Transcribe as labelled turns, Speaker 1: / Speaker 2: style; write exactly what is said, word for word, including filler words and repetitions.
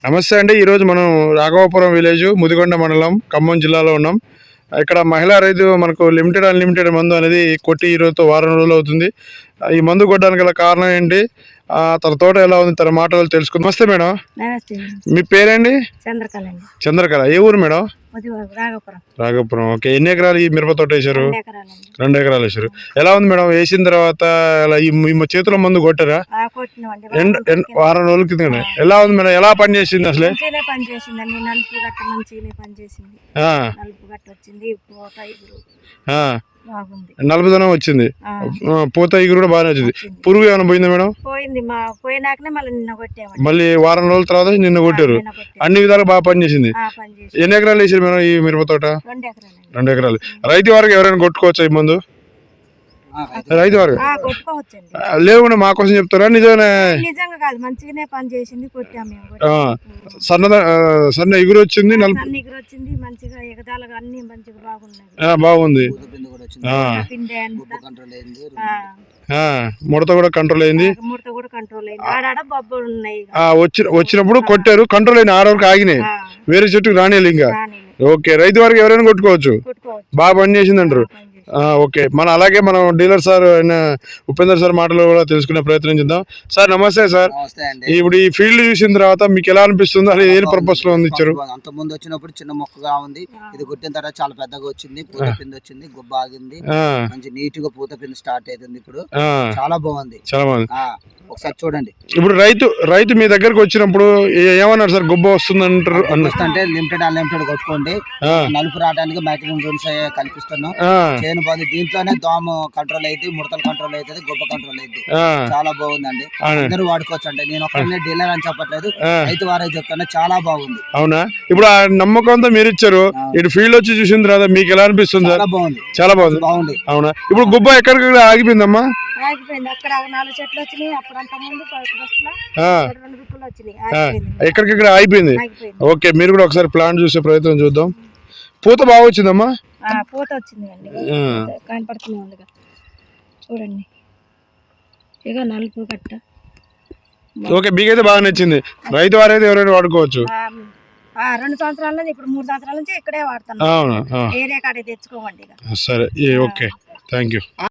Speaker 1: నమస్తే అండి. ఈరోజు మనం రాఘవాపురం విలేజ్ ముదిగొండ మండలం ఖమ్మం జిల్లాలో ఉన్నాం. ఇక్కడ మహిళా రైతు మనకు లిమిటెడ్ అన్లిమిటెడ్ మందు అనేది కొట్టి ఈరోజుతో వారం రోజులు అవుతుంది. ఈ మందు కొట్టడానికి గల కారణం ఏంటి, తన తోట ఎలా ఉంది, తన మాటలు తెలుసుకుందాం. నమస్తే మేడం. మీ పేరేంటి?
Speaker 2: చంద్రకళ.
Speaker 1: చంద్రకళ. ఏ ఊరు మేడం?
Speaker 2: రాఘపురం.
Speaker 1: రాఘపురం. ఓకే. ఎన్ని ఎకరాలు ఈ మిరప తోట వేసారు? రెండు ఎకరాలు వేసారు. ఎలా ఉంది మేడం వేసిన తర్వాత? ఈ చేతిలో మందు కొట్టారా? వారం రోజుల క్రితం. ఎలా ఉంది మేడం? ఎలా పని చేసింది అసలే?
Speaker 2: పని చేసిందండి. నలుపు గట్ట మంచిగానే పని చేసింది. నలుపు గట్ట వచ్చింది.
Speaker 1: నలుపుదనం వచ్చింది. పూత ఇగురు కూడా బాగానే వచ్చింది. పురుగు ఏమైనా పోయిందా మేడం?
Speaker 2: పోయింది. పోయినాకనే మళ్ళీ నిన్న కొట్టాము.
Speaker 1: మళ్ళీ వారం రోజుల తర్వాత నిన్న కొట్టారు. అన్ని విధాలు బాగా పనిచేసింది. ఎన్ని ఎకరాలు వేసారు మేడం ఈ మిరప తోట? రెండు ఎకరాలు. రైతు వారికి ఎవరైనా కొట్టుకోవచ్చా ఈ మందు? రైతు వారు లేకుండా మా కోసం చెప్తారా? నిజమే.
Speaker 2: నిజంగా కాదు, మంచిగానే పని చేసింది. కొట్టాము.
Speaker 1: సన్న సన్న ఎగురు వచ్చింది.
Speaker 2: ఎగురు వచ్చింది మంచిగా. ఎగదాలుగా అన్ని మంచిగా బాగున్నాయి.
Speaker 1: బాగుంది. ముడత కూడా కంట్రోల్ అయింది.
Speaker 2: ముడత కూడా కంట్రోల్ అయింది. ఆడాడ బొబ్బలు ఉన్నాయి.
Speaker 1: వచ్చి వచ్చినప్పుడు కొట్టారు, కంట్రోల్ అయిన ఆడ వరకు ఆగినాయి. వేరే చెట్టుకు రానియాలి ఇంకా. ఓకే. రైతు వారికి ఎవరైనా కొట్టుకోవచ్చు. బాగా పని చేసింది అంటారు. ఓకే. మన అలాగే మనం డీలర్ సార్ అయిన ఉపేందర్ సార్ మాటలు కూడా తెలుసుకునే ప్రయత్నం చేద్దాం. సార్ నమస్తే సార్. ఇప్పుడు ఈ ఫీల్డ్ చూసిన తర్వాత మీకు ఎలా అనిపిస్తుంది? అది ఏ పర్పస్ లో ఉంది ఇచ్చారు?
Speaker 3: అంత ముందు వచ్చినప్పుడు చిన్న మొక్కగా ఉంది. ఇది కొట్టిన తర్వాత చాలా పెద్దగా వచ్చింది. పూత పిండి వచ్చింది. గుబ్బ ఆగింది. మంచి నీట్ గా పూత పిండి స్టార్ట్ అవుతుంది. ఇప్పుడు చాలా బాగుంది. చాలా బాగుంది. ఒకసారి చూడండి.
Speaker 1: ఇప్పుడు రైతు రైతు మీ దగ్గరకు వచ్చినప్పుడు ఏమన్నారు సార్? గుబ్బ వస్తుంది అంటారు.
Speaker 3: అంటే లిమిటెడ్ అన్లిమిటెడ్ కొట్టుకోండి. నలుపు రావడానికి మ్యాక్సిమం రూల్స్ కల్పిస్తున్నాం. చేను బాగుంది. దీంట్లోనే దోమ కంట్రోల్ అయితే, ముడతలు కంట్రోల్ అవుతుంది, గుబ్బ కంట్రోల్ అయితే. చాలా బాగుందండి. అందరూ వాడుకోవచ్చు అండి. నేను ఒక్కనే డీలర్ అని చెప్పట్లేదు, రైతు వారే చెప్తాను. చాలా బాగుంది.
Speaker 1: అవునా? ఇప్పుడు ఆ నమ్మకంతో మీరు ఇచ్చారు. ఇటు ఫీల్డ్ వచ్చి చూసిన తర్వాత మీకు ఎలా అనిపిస్తుంది?
Speaker 3: చాలా బాగుంది.
Speaker 1: చాలా బాగుంది. బాగుంది. అవునా? ఇప్పుడు గుబ్బ ఎక్కడికి ఆగిపోయిందమ్మా?
Speaker 2: ఆగిపోయింది. అక్కడ నాలుగు చెట్లు వచ్చినాయి. అప్పుడు అంత ముందు
Speaker 1: ఎక్కడికక్కడ ఆగిపోయింది. ఓకే. మీరు కూడా ఒకసారి ప్లాంట్ చూసే ప్రయత్నం చూద్దాం. పూత బాగా వచ్చిందమ్మా?
Speaker 2: పూత వచ్చింది అండి. కనపడుతుంది ఉంది చూడండి. ఇక నలుపు కట్ట.
Speaker 1: ఓకే. మీకైతే బాగా నచ్చింది. రైతు వారైతే ఎవరైనా వాడుకోవచ్చు.
Speaker 2: రెండు సంవత్సరాల నుంచి ఇప్పుడు మూడు సంవత్సరాల నుంచి ఇక్కడే వాడుతున్నాం. ఏరియా కాడే తెచ్చుకోమండి.
Speaker 1: సరే. ఓకే. Thank you.